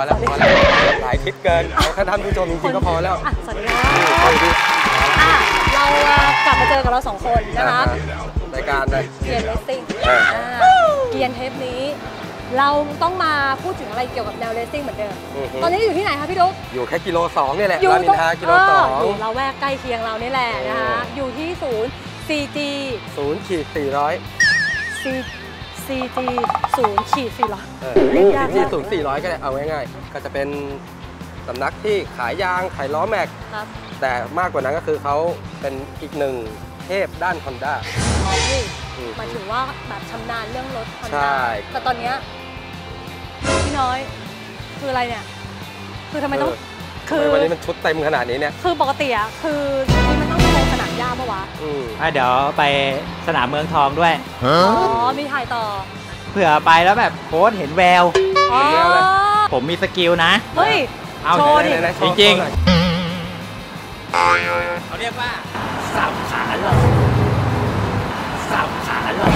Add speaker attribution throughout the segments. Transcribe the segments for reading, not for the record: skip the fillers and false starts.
Speaker 1: แล้วพอแล้วหลายคลิปเกินเอาแค่ท่านผู้ชมจริงๆก็พอแล้ว
Speaker 2: สวัสดีค่ะเรากลับมาเจอกับเรา2 คนนะคะ
Speaker 1: รายการเลย
Speaker 2: เกียร์เลสซิ่งเกียร์เทปนี้เราต้องมาพูดถึงอะไรเกี่ยวกับแนวเลสซิ่งเหมือนเดิมตอนนี้อยู่ที่ไหนคะพี่ดุ๊ก
Speaker 1: อยู่แค่กิโล 2นี่แหละ
Speaker 2: อยู่
Speaker 1: ตรงกิโล 2
Speaker 2: อยู่เราแวกใกล้เคียงเรานี่แหละนะคะอยู่ที่ศูนย์ CG
Speaker 1: 0-400
Speaker 2: CG 0-400
Speaker 1: นี่0-400ก็ได้เอาง่ายๆก็จะเป็นสำนักที่ขายยางขายล้อแม็กแต่มากกว่านั้นก็คือเขาเป็นอีกหนึ่งเทพด้าน Honda
Speaker 2: หมายถึงว่าแบบชำนาญเรื่องรถ Honda
Speaker 1: ใช่
Speaker 2: แต่ตอนนี้พี่น้อยคืออะไรเนี่ยคือทำไมต้อง
Speaker 1: คือวันนี้มันชุดเต็มขนาดนี้เนี่ย
Speaker 2: คือปกติอะคือนี่มันต้องไปสนามหญ้าปะวะ
Speaker 3: เดี๋ยวไปสนามเมืองทองด้วย
Speaker 2: อ๋อมีถ่ายต่อ
Speaker 3: เผื่อไปแล้วแบบโค้ชเห็นแววผมมีสกิลนะ
Speaker 2: เฮ้ย
Speaker 3: โชว์ดิจริงๆเขาเรียกว่าสับขาหลอกสับขาหลอก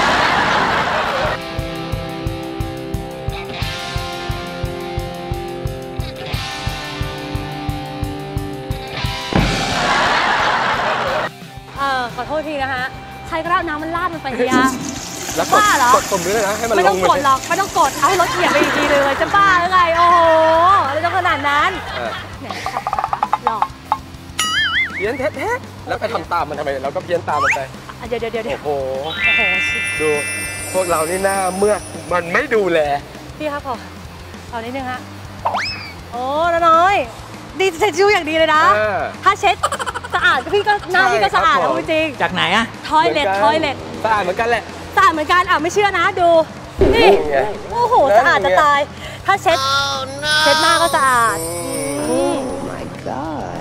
Speaker 2: ขอโทษทีนะฮะใครก็ได้น้ำมันลาดมันไปยา
Speaker 1: แล้วกดปุ่มด้วยนะให้มันลง
Speaker 2: ไม่ต้องกดหรอกไม่ต้องกดเอาให้รถเหยียบไปอีกทีเลยจะบ้าหรือไงโอ้โหอะไรต้องขนาดนั้นเนี่ยสับขาหลอก
Speaker 1: เพี้ยนเทะแล้วไปทำตามมันทำไมเราก็เพี้ยนตามมันไป
Speaker 2: เดี๋ยว
Speaker 1: โอ้โหดูพวกเรานี่หน้าเมื่อมันไม่ดูแล
Speaker 2: พี่ครับขอเอานิดนึงฮะโอ้น้อยดีเช็ดชิ้วอย่างดีเลยนะถ้าเช็ดสะอาดพี่ก็หน้าพี่ก็สะอาดจริง
Speaker 3: จากไหนอะ
Speaker 2: ทอยเล็ต
Speaker 1: สะอาดเหมือนกันแหละ
Speaker 2: สะอาดเหมือนกันไม่เชื่อนะดูนี่โอ้โหสะอาดจะตายถ้าเช็ดหน้าก็สะอาดmy god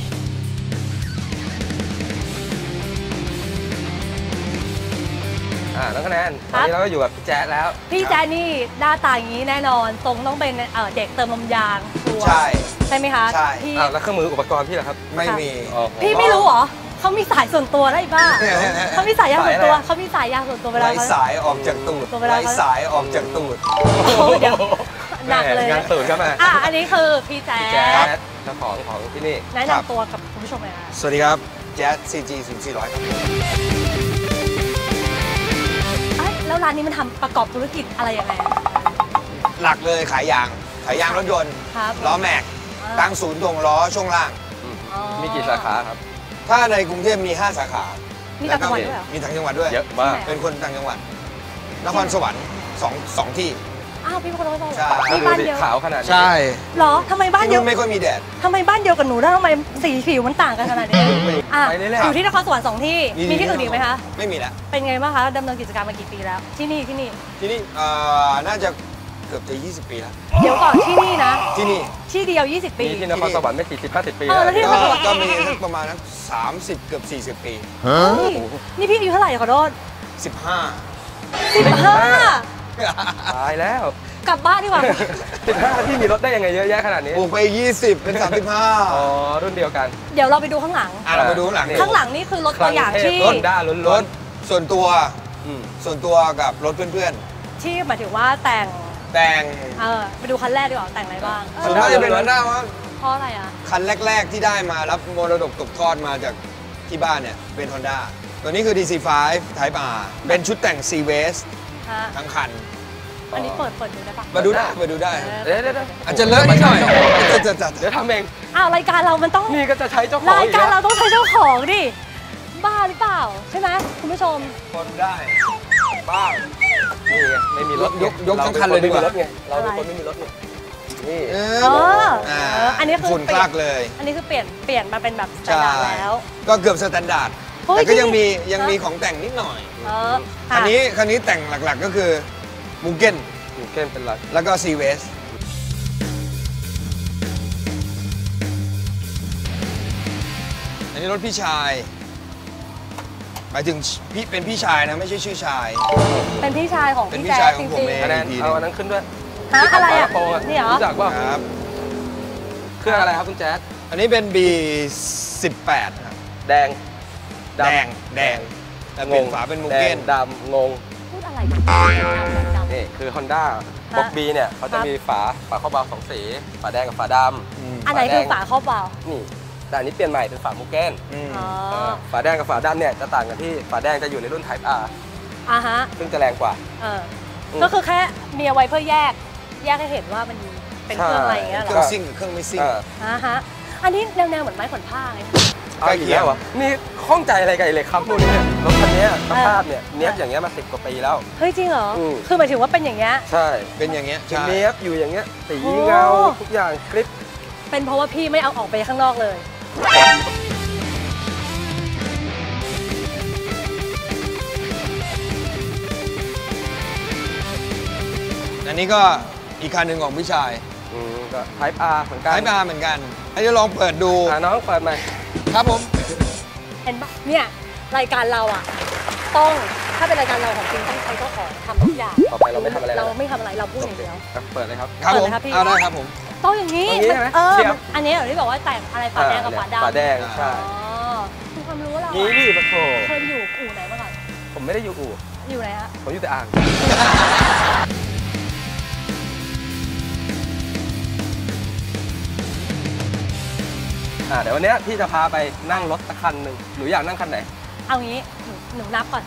Speaker 1: น้องคะแนนตอนนี้เราก็อยู่กับพี่แจ๊ดแล้ว
Speaker 2: พี่แจ๊ดนี่หน้าตาอย่างนี้แน่นอนทรงต้องเป็นเด็กเติมลมยางใช่ไหมคะ
Speaker 1: ใช่แล้วเครื่องมืออุปกรณ์พี่เหรอครับ
Speaker 4: ไม่มี
Speaker 2: พี่ไม่รู้เหรอเขามีสายส่วนตัวได้บ้าเขามีสายยางส่วนตัวเขามีสายยางส่วนตัวเวลา
Speaker 4: สายออกจากตูดสายออกจากตูด
Speaker 2: เดี๋ยวหนักเลย
Speaker 1: งานตูดครับ
Speaker 2: อันนี้คือพี่แจ๊ด
Speaker 1: เจ้าของที่นี่
Speaker 2: แนะนำตัวกับคุณผู้ชมเลยค่ะ
Speaker 4: สวัสดีครับแจ๊ด CG 0-400
Speaker 2: แล้วร้านนี้มันทำประกอบธุรกิจอะไรยังไง
Speaker 4: หลักเลยขายยางรถยนต์ล้อแม็กตั้งศูนย์ตรงล้อช่วงล่าง
Speaker 1: มีกี่สาขาครับ
Speaker 4: ถ้าในกรุงเทพมี5 สาขา
Speaker 2: มีต่างจังหวัดด้วย
Speaker 4: มีต่างจังหวัดด้วย
Speaker 1: เยอะมาก
Speaker 4: เป็นคนต่างจังหวัดนครสวรรค์สองที่
Speaker 2: พี่เป็นคนนครสวรรค์
Speaker 1: มีบ้านเดียวขาวขนาดนี้
Speaker 4: ใช่
Speaker 2: หรอทำไมบ้านเดียว
Speaker 4: ไม่ค่อยมีแดด
Speaker 2: ทำไมบ้านเดียวกับหนูได้ทำไมสีผิวมันต่างกันขนาดนี้อยู่ที่นครสวรรค์2 ที่มีที่อื่นอีกไหมคะ
Speaker 4: ไม่มีแล้ว
Speaker 2: เป็นไงบ้างคะดำเนินกิจการมากี่ปีแล้วที่นี่
Speaker 4: น่าจะเกือบจะ20 ปีแล้ว
Speaker 2: เดี๋ยวก่อนที่นี่นะที่เดียว20 ปี
Speaker 1: ที่นครสวรรค์ไม่40-50 ปี
Speaker 2: แล้วที่นครสวรรค์
Speaker 4: ก็มีประมาณนั้น30เกือบ40 ปี
Speaker 2: นี่พี่อายุเท่าไหร่ขอโทษ
Speaker 4: 15
Speaker 1: ตายแล้ว
Speaker 2: กลับบ้านดีกว่า
Speaker 1: 15ที่มีรถได้ยังไงเยอะแยะขนาดนี้
Speaker 4: ปลูกไป20เป็น35
Speaker 1: อ๋อรุ่นเดียวกัน
Speaker 2: เดี๋ยวเราไปดูข้างหลัง
Speaker 4: เราไปดูข้างหลัง
Speaker 2: นี่คือรถตัวอย่างที่
Speaker 1: รถด้าล้วน
Speaker 4: ส่วนตัวกับรถเพื่อน
Speaker 2: ๆที่หมายถึงว่าแต่งไปดูคันแรกดีกว่าแต่งอะไรบ้าง
Speaker 4: ส่วนมากจะเป็นฮอนด้าว่า
Speaker 2: เพราะอะไร
Speaker 4: คันแรกๆที่ได้มารับมรดกตกทอดมาจากที่บ้านเนี่ยเป็นฮอนด้าตัวนี้คือ DC5 Type R เป็นชุดแต่ง C-Waste ทั้งคัน
Speaker 2: อันนี้เปิดดูได้ปะ
Speaker 4: มาดูได้อาจจะเลอะนิดหน่อย
Speaker 1: เดี๋ยวทำเอง
Speaker 2: รายการเรามันต้อง
Speaker 1: นี่ก็จะใช้เจ้าของ
Speaker 2: รายการเราต้องใช้เจ้าของดิบ้าหรือเปล่าใช่ไหมคุณผู้ชม
Speaker 4: คนได้บ้า
Speaker 1: นี่ไงไม่มีรถ
Speaker 4: ยกทั้งคันเลยดีกว่า
Speaker 1: เราเป็นคนไม่มีรถนี่
Speaker 2: อันนี้คือ
Speaker 4: ฝุ่นคลากเลย
Speaker 2: อันนี้คือเปลี่ยนมาเป็นแบบสแตนดาร์ดแล้ว
Speaker 4: ก็เกือบสแตนดาร์ดแต่ก็ยังมีของแต่งนิดหน่อยคันนี้แต่งหลักๆก็คือมูเก้น
Speaker 1: เป็นหลัก
Speaker 4: แล้วก็ C-Waste อันนี้รถพี่ชายหมายถึงพี่เป็นพี่ชายนะไม่ใช่ชื่อชาย
Speaker 2: เป็นพี่ชายของ
Speaker 4: พี่แจ๊ดจริง
Speaker 1: ๆเอาอันนั้นขึ้นด้วย
Speaker 2: อะไรนี่เหรอ
Speaker 1: รู้จักว่าเครื่องอะไรครับคุณแจ๊ด
Speaker 4: อันนี้เป็น B18 ครับแดงแต่เป็นฝาเป็นมูเก้น
Speaker 1: ดำงง
Speaker 2: อะไรกันดำ
Speaker 1: นี่คือ Honda บล็อกบีเนี่ยเขาจะมีฝาครอบเบาสองสีฝาแดงกับฝาดำ
Speaker 2: อันไหนคือฝาครอบเบา
Speaker 1: นี่แต่อันนี้เปลี่ยนใหม่เป็นฝามูเก้น
Speaker 2: อ๋อ
Speaker 1: ฝาแดงกับฝาดำเนี่ยจะต่างกันที่ฝาแดงจะอยู่ในรุ่น Type R
Speaker 2: ฮะ
Speaker 1: ซึ่งจะแรงกว่า
Speaker 2: ก็คือแค่มีเอาไว้เพื่อแยกให้เห็นว่ามันเป็นเครื่องอะไรอย่างเงี้ยเหรอ
Speaker 4: เครื่องซิ่งกับเครื่องไม่ซิ่ง
Speaker 2: ฮะอันนี้แนวเหมือนไม้ขนผ้าไง
Speaker 1: ใกล้เคียงวะนี่ข้องใจอะไรกันเลยครับพวกนี้รถคันนี้สภาพเนี่ยเนี้ยบอย่างเงี้ยมา10 กว่าปีแล้ว
Speaker 2: เฮ้ยจริงเหรอคือหมายถึงว่าเป็นอย่างเงี้ย
Speaker 1: ใช่
Speaker 4: เป็นอย่างเงี้ย
Speaker 1: เนี้ยบอยู่อย่างเงี้ยสีเงาทุกอย่างคลิป
Speaker 2: เป็นเพราะว่าพี่ไม่เอาออกไปข้างนอกเลย
Speaker 4: อันนี้ก็อีกคันหนึ่งของพี่ชาย
Speaker 1: ก็ Type R เหมือนกัน
Speaker 4: Type R เหมือนกันให้จะลองเปิดดู
Speaker 1: น้องเปิดไหม
Speaker 4: ครับผม
Speaker 2: เห็นปะเนี่ยรายการเราอ่ะต้องถ้าเป็นรายการเราของจริงต้องใช้ก็ขอทำทุกอย่าง
Speaker 1: ต่อไปเราไม่ทำอะไร
Speaker 2: เราพูดอย่างเดียว
Speaker 1: เปิดเลยครับ
Speaker 4: ครับผมเอาได้ครับผม
Speaker 2: ต้องอย่างนี้อันนี้อย่างที่บอกว่าแต่งอะไรฝาแดงกับฝาดำ
Speaker 1: ฝาแดงใช่
Speaker 2: คือความรู้เรา
Speaker 1: นี่ดิปะโถ
Speaker 2: เคยอยู่อู่ไหนมาก่อน
Speaker 1: ผมไม่ได้อยู่อู่
Speaker 2: อยู่ไหนฮะ
Speaker 1: ผมอยู่แต่อ่างเดี๋ยววันนี้พี่จะพาไปนั่งรถสักคันหนึ่งหนูอยากนั่งคันไหน
Speaker 2: เอางี้หนูนับก่อน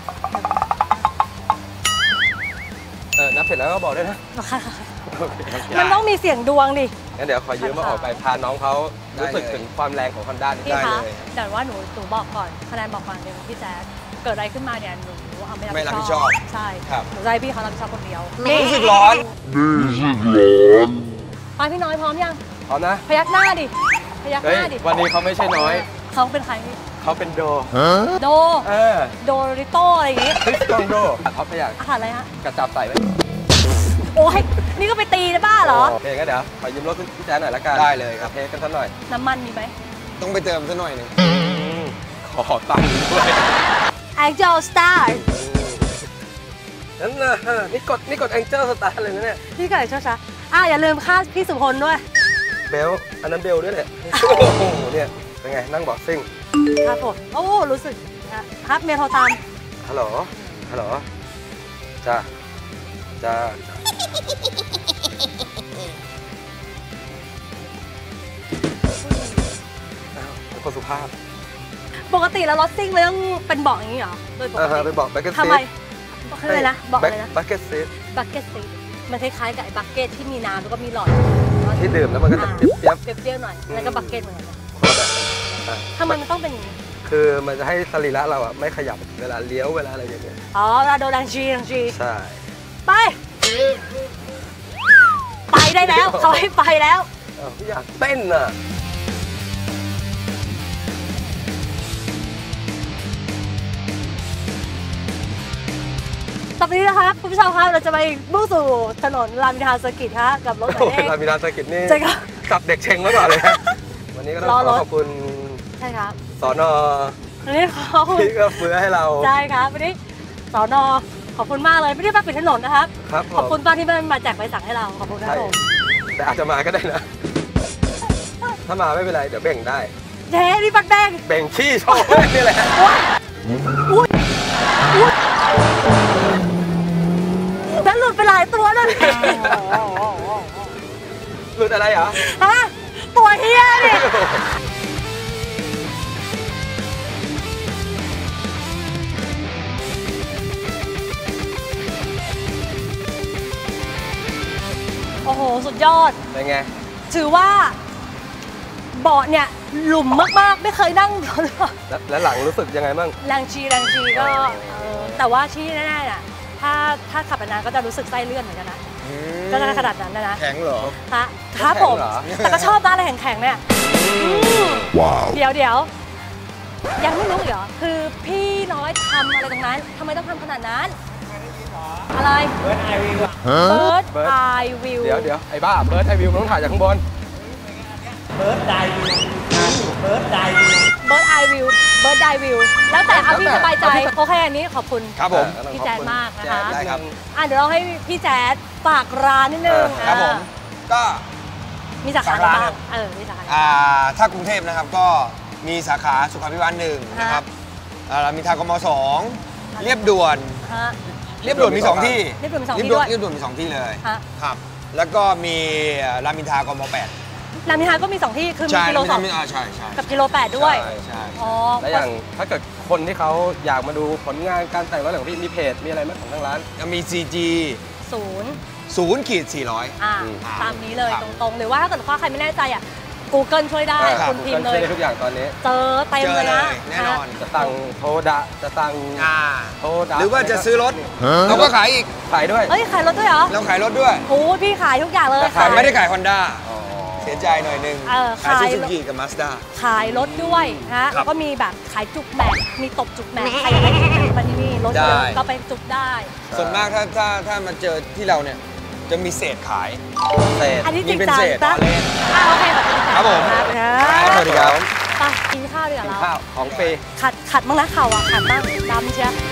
Speaker 1: นับเสร็จแล้วก็บอกด้วยนะ
Speaker 2: มันต้องมีเสียงดวงดิ
Speaker 1: งั้นเดี๋ยวขอยืมมาออกไปพาน้องเขารู้สึกถึงความแรงของ Honda
Speaker 2: ได้เลยแต่ว่าหนูบอกก่อนคะแนนบอกก่อนเดี๋ยวพี่แจ๊ดเกิดอะไรขึ้นมาเนี่ยหนูเอาไม่รับผิดชอบใช่หนูจะให้พี่เขารับผิดชอบคนเดียว
Speaker 4: รู้สึกร้อน
Speaker 2: ไปพี่น้อยพร้อมยัง
Speaker 1: พร้อมนะ
Speaker 2: พยักหน้าดิพยักหน้าดิ
Speaker 1: วันนี้เขาไม่ใช่น้อย
Speaker 2: เขาเป็นใครพี่
Speaker 1: เขาเป็นโด
Speaker 2: โดริโต้อะไรอย่างงี้
Speaker 1: คริสตองโดท็อปไปอย่าง
Speaker 2: อาหารอะไรฮะ
Speaker 1: กระจับใส่ไว้
Speaker 2: โอ้ยนี่ก็ไปตีได้บ้าเหรอ
Speaker 1: โอเคงั้นเดี๋ยวขอยืมรถพี่แจ๊ดหน่อยละกัน
Speaker 4: ได้เลยครับ
Speaker 1: เทกันสักหน่อย
Speaker 2: น้ำมันมีไหม
Speaker 4: ต้องไปเติมสักหน่อยนึง
Speaker 1: ขอตังค์ด้วย
Speaker 2: Angel Star
Speaker 1: นั่นนะนี่กด Angel Star เลยนะเนี่ย
Speaker 2: พี่ไก่ช้าอย่าลืมค่าพี่สุพลด้วย
Speaker 1: เบลอันนั้นเบลด้วยแหละโอ้โหเนี่ยเป็นไงนั่งบอกซิ่ง
Speaker 2: ครับผมโอ้รู้สึกครับเมียโทรตาม
Speaker 1: ฮัลโหลจ้าเป็นคนสุภาพ
Speaker 2: ปกติแล้วรถซิ่งมันต้องเป็นเบาะอย่างนี้เหรอโดยปกติ
Speaker 1: เป็นเบาะบักเก็ตซีท
Speaker 2: ทำไมอะไรนะเบาะอะไรนะ
Speaker 1: บักเก็ตซี
Speaker 2: มันคล้ายๆกับไอ้บักเก็ตที่มีน้ำแล้วก็มีหลอด
Speaker 1: ที่ดื่มแล้วมันก็จะเป
Speaker 2: รี้ยวหน่อยแล้วก็บักเก็ตเหมือนกันทำไมมันต้องเป็นอย่างนี้
Speaker 1: คือมันจะให้สรีระเราอ่ะไม่ขยับเวลาเลี้ยวเวลาอะไรอย่างเงี้ย
Speaker 2: เราโดนดังชี
Speaker 1: ใช่
Speaker 2: ไปได้แล้วเขาให้ไปแล้ว
Speaker 1: อยากเต้นอ่ะ
Speaker 2: ตอนนี้นะครับคุณผู้ชมครับเราจะไปมุ่งสู่ถนนรามอินทราเซอร์กิตครับกับรถไหน
Speaker 1: รามอินทราเซอร์กิตนี่จับเด็กเชงไว้ก่อนเลยวันนี้ก็ต้องขอบคุณ
Speaker 2: ใช่ครับ
Speaker 1: สน.
Speaker 2: วันนี้เขา
Speaker 1: ที่ก็เฟื้อให้เรา
Speaker 2: ใช่ครับวันนี้สน.ขอบคุณมากเลยไม่ได้มาปิดถนนนะครับขอบคุณตอนที่มันมาแจกใบสั่งให้เราขอบคุณครับผม
Speaker 1: แต่อาจจะมาก็ได้นะถ้ามาไม่เป็นไรเดี๋ยวเบ่งได้
Speaker 2: เจ๊นี่ปักแดง
Speaker 1: เบ่งขี้โชว์นี่แหละ
Speaker 2: แล้วหลุดไปหลายตัวเลย
Speaker 1: หลุดอะไรเหรอ
Speaker 2: ตัวเฮียเนี่ยโอ้โหสุดยอด
Speaker 1: เป็นไง
Speaker 2: ถือว่าเบาะเนี่ยหลุมมากๆไม่เคยนั่ง
Speaker 1: แล้วหลังรู้สึกยังไงบ้าง
Speaker 2: แรงชีก็แต่ว่าที่แน่ๆน่ะถ้าขับนานก็จะรู้สึกไส้เลื่อนเหมือนกันนะก็จะขนาดนั้นนะ
Speaker 4: แข็งเหรอ
Speaker 2: ครับผมแต่ก็ชอบนะอะไรแข็งๆเนี่ยว้าวเดี๋ยวยังไม่รู้เหรอคือพี่น้อยทำอะไรตรงนั้นทำไมต้องทำขนาดนั้นอะไร
Speaker 3: เบิร์ดไอวิว
Speaker 2: เ
Speaker 1: ดี๋ยวไอ้บ้าเบิร์ดไอวิวต้องถ่ายจากข้างบน
Speaker 3: เบิร์ดไดวิว
Speaker 2: แล้วแต่เอาพี่สบายใจโอเคอันนี้ขอบคุณ
Speaker 4: ครับผม
Speaker 2: พี่แจ๊ดมากนะคะ
Speaker 4: ได้ครับ
Speaker 2: เดี๋ยวเราให้พี่แจ๊ดฝากร้านนิดนึง
Speaker 4: ครับผมก็
Speaker 2: มีสาขาอะไรบ้างมีสาขา
Speaker 4: ถ้ากรุงเทพนะครับก็มีสาขาสุขาภิบาล1นะครับรามอินทรากม2เรียบด่วนเรียบด่วนมี 2 ที่
Speaker 2: เรียบด่วนมี2 ที่ด้วย
Speaker 4: เรียบด่วนมี 2 ที่เลย
Speaker 2: ฮะ
Speaker 4: ครับ แล้วก็มีรามอินทรากม8
Speaker 2: รามอินทราก็มี2 ที่คือมี
Speaker 4: ใช่
Speaker 2: กิโล
Speaker 4: ใช่
Speaker 2: กับกิโล 8ด้วย
Speaker 4: ใช่
Speaker 2: อ๋อ
Speaker 1: และอย่างถ้าเกิดคนที่เขาอยากมาดูผลงานการแต่งรถของพี่มีเพจมีอะไรไหมของทางร้าน
Speaker 4: แล้วมี CG
Speaker 2: 0
Speaker 4: 0-400
Speaker 2: ตามนี้เลยตรงๆหรือว่าถ้าเกิดว่าใครไม่แน่ใจGoogle ช่วยได้ คุณพิมพ์เลย
Speaker 1: ช่วยได้ทุกอย่างตอนนี้
Speaker 2: เจอเต็มเลยนะ
Speaker 4: แน่นอน
Speaker 1: จะสั่งโทดะจะสั่งโทดะ
Speaker 4: หรือว่าจะซื้อรถเราก็ขายอีก
Speaker 1: ขายด้วย
Speaker 2: เอ้ยขายรถด้วยเหรอ
Speaker 4: เราขายรถด้วย
Speaker 2: โอ้พี่ขายทุกอย่างเลย
Speaker 4: แต่ไม่ได้ขาย Honda
Speaker 1: อ๋อ
Speaker 4: เสียใจหน่อยนึง
Speaker 2: ขาย
Speaker 4: ซูซูกิกับ Mazda
Speaker 2: ขายรถด้วยฮะ
Speaker 4: ครั
Speaker 2: แล้
Speaker 4: บ
Speaker 2: วก็มีแบบขายจุกแม็กมีตบจุกแม็กใครอยากได้จุกแม็กมาที่นี่รถเยอะ
Speaker 4: ได้
Speaker 2: ก็ไปจุกได้
Speaker 4: ส่วนมากถ้ามาเจอที่เราเนี่ยจะมีเศษขาย
Speaker 1: เศษ
Speaker 2: อันนี้จริง
Speaker 4: มีเป็น
Speaker 2: จัง
Speaker 4: เศษ
Speaker 2: ปะ
Speaker 4: ล้อเล่น
Speaker 2: โอเคแบบนี้
Speaker 4: ครับผม
Speaker 2: ครับ
Speaker 4: สวัสดีครับ
Speaker 2: ไปกินข้าวดีกว่า
Speaker 1: กิน
Speaker 2: เรา
Speaker 1: ข้าวของฟรี
Speaker 2: ขัดบ้างนะเข่าอ่ะขัดบ้างดำเชียว